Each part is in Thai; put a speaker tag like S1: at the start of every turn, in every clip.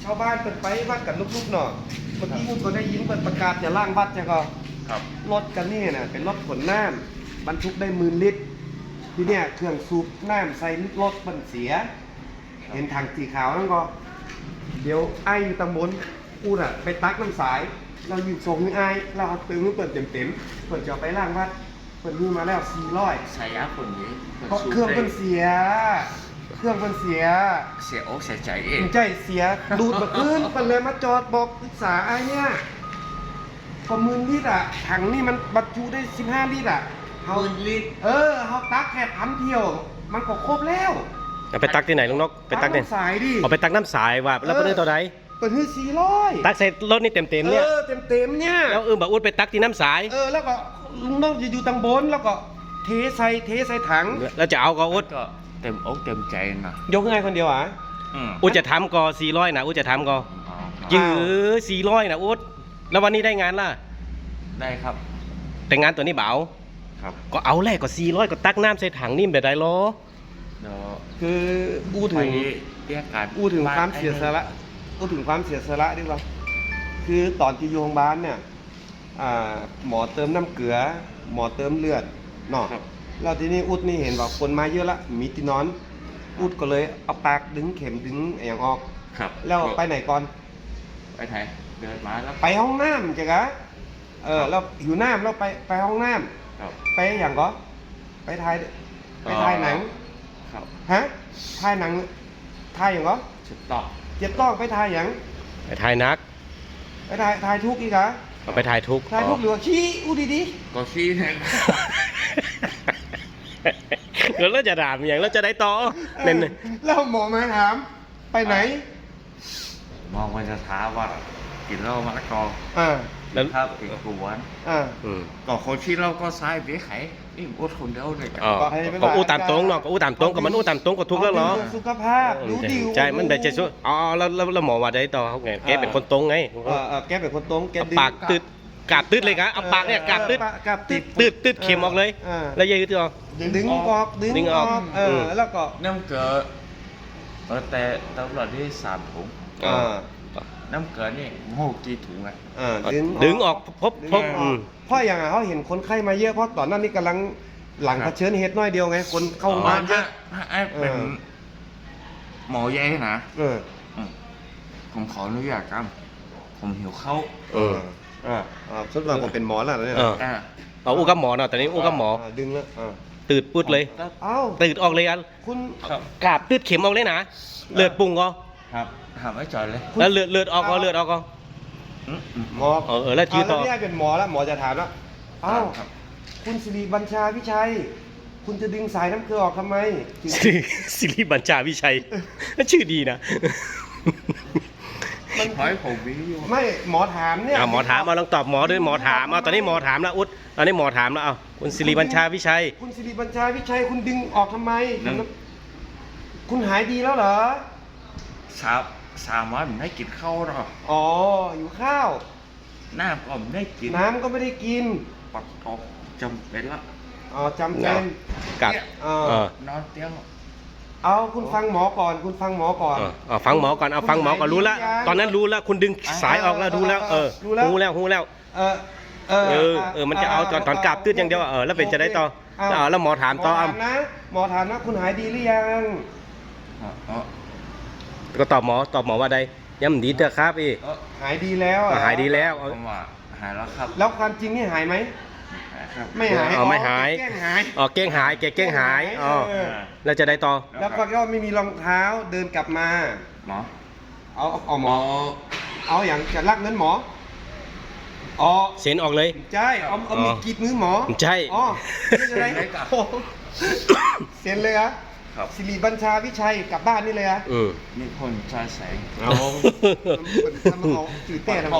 S1: ชาวบ้านเปิดไปวัดกันลุกๆหน่อยเมื่อกี้คุณก็ได้ยินเปิดประกาศจะล่างวัดจะก็
S2: ครับ
S1: รถกันนี่นะเป็นรถขนน้ำบรรทุกได้10,000 ลิตรทีเนี้ยเครื่องสูบน้ำใส่รถมันเสีย เห็นถังสีขาวนั่นก็ เดี๋ยวไอ้อยู่ตำบลกูน่ะไปตักน้ำสาย เราอยู่ส่งให้ไอ้เราเอาตึงเปิดเต็มเปิดจะเอาไปล่างวัดเปิดมือมาแล้ว400
S2: ใช้ยาคนนี้
S1: เพราะเครื่องมันเสีย เครื่องมันเสีย
S2: เสียอกเสียใจเอง
S1: ใจเสียดูดมาขึ้นมันเลยมาจอดบอกปรึกษาไอ้เนี่ยพอ10,000 ลิตรอ่ะถังนี่มันบรรจุได้15 ลิตรอ่ะเขา
S2: 10,000 ลิตร
S1: เขาตักแค่1,000 เที่ยว มันก็ครบแล้ว
S3: เอาไปตักที่ไหนลุงนกไปตักเนี่ย
S1: สายดิ
S3: เอาไปตักน้ำสายว่าแล้วเป็นตัวไหน
S1: เปิดให้400
S3: ตักใส่รถนี่เต็มๆเนี่ย
S1: เต็มเนี่ย
S3: แล้วบอกอุดไปตักที่น้ำสาย
S1: แล้วก็ลุงน้องจะอยู่ตังบนแล้วก็เทใส่ถัง
S3: แล้วจะเอาก็อุด
S2: ก็เต็มอกเต็มใจนะ
S1: ยกง่ายคนเดียวอ่ะ
S3: อุดจะทำก็400นะอุดจะทำก็ยื้อ400นะอุดแล้ววันนี้ได้งานล่ะ
S2: ได้ครับ
S3: แต่งานตัวนี้เบา
S2: ครับ
S3: ก็เอาแรกก็400ก็ตักน้ำใส่ถังนี่แบบใดล้อ
S2: เดี๋ยว
S1: คืออู้
S2: ไป
S1: ถึง
S2: เรียกการ
S1: พูดถึงความเสียสละพูดถึงความเสียสละดีกว่าคือตอนที่อยู่โรงพยาบาลเนี่ยหมอเติมน้ำเกลือ หมอเติมเลือดเนาะ
S2: ครับ
S1: แล้วทีนี้อุดนี่เห็นว่าคนมาเยอะละมีตินอน อุดก็เลยเอาปากดึงเข็มดึงอย่างออก
S2: ครับ
S1: แล้วไปไหนก่อน
S2: ไปไทยเดินมาแล้ว
S1: ไปห้องน้ำจ้ะกะแล้วหิวน้ำแล้วไปห้องน้
S2: ครับ
S1: ำไปอย่างก็ไปถ่ายหนัง
S2: ครับ
S1: ฮะถ่ายหนังถ่ายอย่างก็
S2: ชุดต่อ
S1: เจ็บต้องไปถ่ายอย่าง
S3: ไปถ่ายนัก
S1: ไปถ่ายทุกข์อีกเหรอ
S3: เอาไปถ่ายทุกข์
S1: ถ่ายทุกข์หรือว่าขี้อู้ดี
S2: ก็ชี้แทง
S3: เดี๋ยวเราจะด่าอย่างเราจะได้ต่อ
S1: ๆ
S3: เน้น
S1: แล้วหมอมาถาม ไปไหน
S2: มองมันจะท้าว่ากินเหล้ามะละกอ
S1: อ่า
S3: แล้ว
S2: ครับอีกกวน
S1: อ่า
S2: ก็คนที่เราก็ซ้ายเบี้ยไข่นี่อดคนเดียวเลยกัน
S3: อ๋อก็อู้ตามตรงเนาะก็อู้ตามตรงก็มันอู้ตามตรงก็ทุกข์แล้วเหรอ
S1: าสุขภาพรู้ดี
S3: ใช่มันแบบจะช่วยอ๋อแล้วหมอว่าได้ต่อเขาไงแกเป็นคนตรงไง
S1: แกเป็นคนตรงแก
S3: เอา
S1: ดึง
S3: ปากตืดกาบตืดเลยครับเอาปากเนี่ยกาบตืด
S1: กาบตืด
S3: ตืดเข็มออกเลย แล้วยืดตัว
S1: ดึงออกดึงออกแล้วก็
S2: น้ำเกลือแต่ตำรวจที่3 ถุง
S1: อ่า
S2: น้ำเกลือนี่โหกี่ถุงอ่ะ
S3: ดึงออกพบ
S1: เพราะอย่างเขาเห็นคนไข้มาเยอะเพราะตอนนั้นนี่กำลังหลัง
S2: ครั
S1: เผ
S2: บ
S1: ชิญเหตุน้อยเดียวไงคนเข้าโรงพยาบาลเยอะ
S2: ไอ้เป็นหมอใหญ่นะ
S1: เออ
S2: ผมขออนุญาตครับผมหิวข้าว
S1: สุดว่าผมเป็นหมอแล้วเนี่ย
S2: อ่า
S3: เอาอู้กับหมอเนาะแต่นี้อู้กับหมอ
S1: ดึงแล้ว
S3: ตืดปุดเลย
S1: เอ้า
S3: ตืดออกเลยกัน
S1: คุณ
S2: ครับ
S3: กาบตืดเข็มออกเลยนะเลือดปุ่งก็
S2: ครับถามไอ้จอยเลย
S3: แล้วเลือดออกก็เลือดออกก็
S1: หมอ
S3: แล้วทีต่อ
S1: แล้วนี่เป็นหมอแล้วหมอจะถามว่าเอ้า
S2: ครับ
S1: คุณสิริบัญชาวิชัย คุณจะดึงสายน้ำเกลือออกทำไม
S3: สิริบัญชาวิชัย ชื่อดีนะ
S2: มันหอยผมวิว
S1: ไม่หมอถามเนี่ย
S3: หมอถามมาลองตอบหมอด้วยหมอถามตอนนี้หมอถามแล้วอุดตอนนี้หมอถามแล้วคุณสิริบัญชาวิชัย
S1: คุณสิริบัญชาวิชัยคุณดึงออกทำไม คุณหายดีแล้วเหรอ
S2: 3 วันผมได้กินข้าวหรอ
S1: อ๋ออยู่ข้าว
S2: น้ำก็ไม่ได้กิน
S1: น้ำก็ไม่ได้กิน
S2: ปัดออกจำเป็นละ
S1: อ๋อจำเป็น
S3: กับ
S2: นอนเตียง
S1: เอาคุณฟังหมอก่อน คุณฟังหมอก่อน
S3: ฟังหมอก่อนเอาฟังหมอก่อนรู้แล้วตอนนั้นรู้แล้วคุณดึงสายออกแล้วรู้แล้วหูแล้ว มันจะเอาตอนกราบตืดอย่างเดียวแล้วเป็นจะได้ต่อแล้วหมอถามต่อ
S1: นะหมอถามนะคุณหายดีหรือยัง
S3: ก็ตอบหมอว่าใดย้ำดีเถอะครับพี่
S1: หายดีแล้ว
S3: หายดีแล้ว
S2: ผมว่าหายแล้วครับ
S1: แล้วความจริงนี่หายไหม
S2: หายครับ
S1: ไม่หาย
S3: ไม่หาย
S1: แกล้งหาย
S3: เก้งหายแกเก้งหายแล้วจะได้ต่อ
S1: แล้วก็ไม่มีรองเท้าเดินกลับมา
S2: หมอ
S1: เอาหมอ เอาอย่างจะลักเงินหมออ๋อ
S3: เซ็นออกเลย
S1: ใช่เอามีกรีดมือหมอ
S3: ใช่
S1: อ๋อไม่ใช่ไรเซ็นเลยเหรอ
S2: ครับ
S1: สิริบัญชาวิชัยกลับบ้านนี่เลยเหรอ
S2: มีคนชายแสง
S1: เอาทำมาเอาจืดเต้ทำไม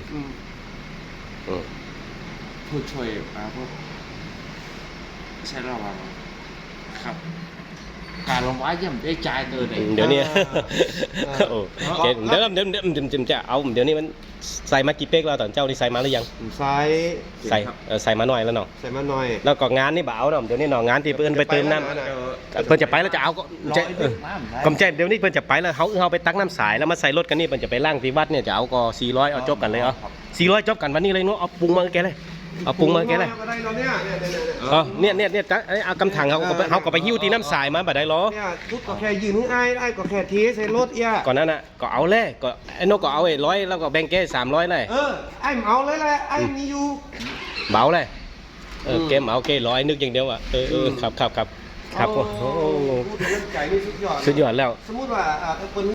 S2: ผู้ช่วยมาพวกใช่ระวังครับการลงไว้ยังได้จ่ายตัวไหน
S3: เดี๋ยวนี้
S1: เออ
S3: โอ้เดี๋ยวจะเอาเดี๋ยวนี้มันใส่มากี่เป๊กแล้วตอนเจ้านี่ใส่มาหรือยัง
S1: ใส่
S3: ใส่มาหน่อยแล้วเนาะ
S1: ใส่มาหน่อย
S3: แล้วก็งานนี่บ่เอาเนาะเดี๋ยวนี้เนาะงานที่เพิ่นไปเติมน้ำเพิ่นจะไปแล้วจะเอาก็
S2: ร้
S3: จะ
S2: อย
S3: เอ
S2: เด็
S3: อก
S2: น้ำได้
S3: กำแจเดี๋ยวนี้เพิ่นจะไปแล้วเขาไปตักน้ำสายแล้วมาใส่รถกันนี่เพิ่นจะไปล่างที่วัดเนี่ยจะเอาก็400เอาจบกันเลยเอา400จบกันวันนี้เลยเนาะเอาปรุงมาแกเลยเอาปรุงมาแกเลย
S1: ก็ได้เราเนี่ย
S3: เอากำถังเขาก็ไปหิ้วตีน้ำสายมาบ่ได้หรอ
S1: เนี่ยทุกก็แค่ยืนให้ไอ้ก็แค่เทใส่รถเอี้ย
S3: ก่อนนั้นน่ะก็เอาเลยก็ไอ้นกก็เอาไอ้100แล้วก็แบ่งแก300เลย
S1: ไอ้เอาเลยแหละไอ้มีอยู่
S3: เบาเลยเกมเอา100นึกอย่างเดียวอ่ะครับโอ้โห
S1: พูดถึงเรื่องไก่นี่สุดยอด
S3: สุดยอดแล้ว
S1: สมมุติว่าคน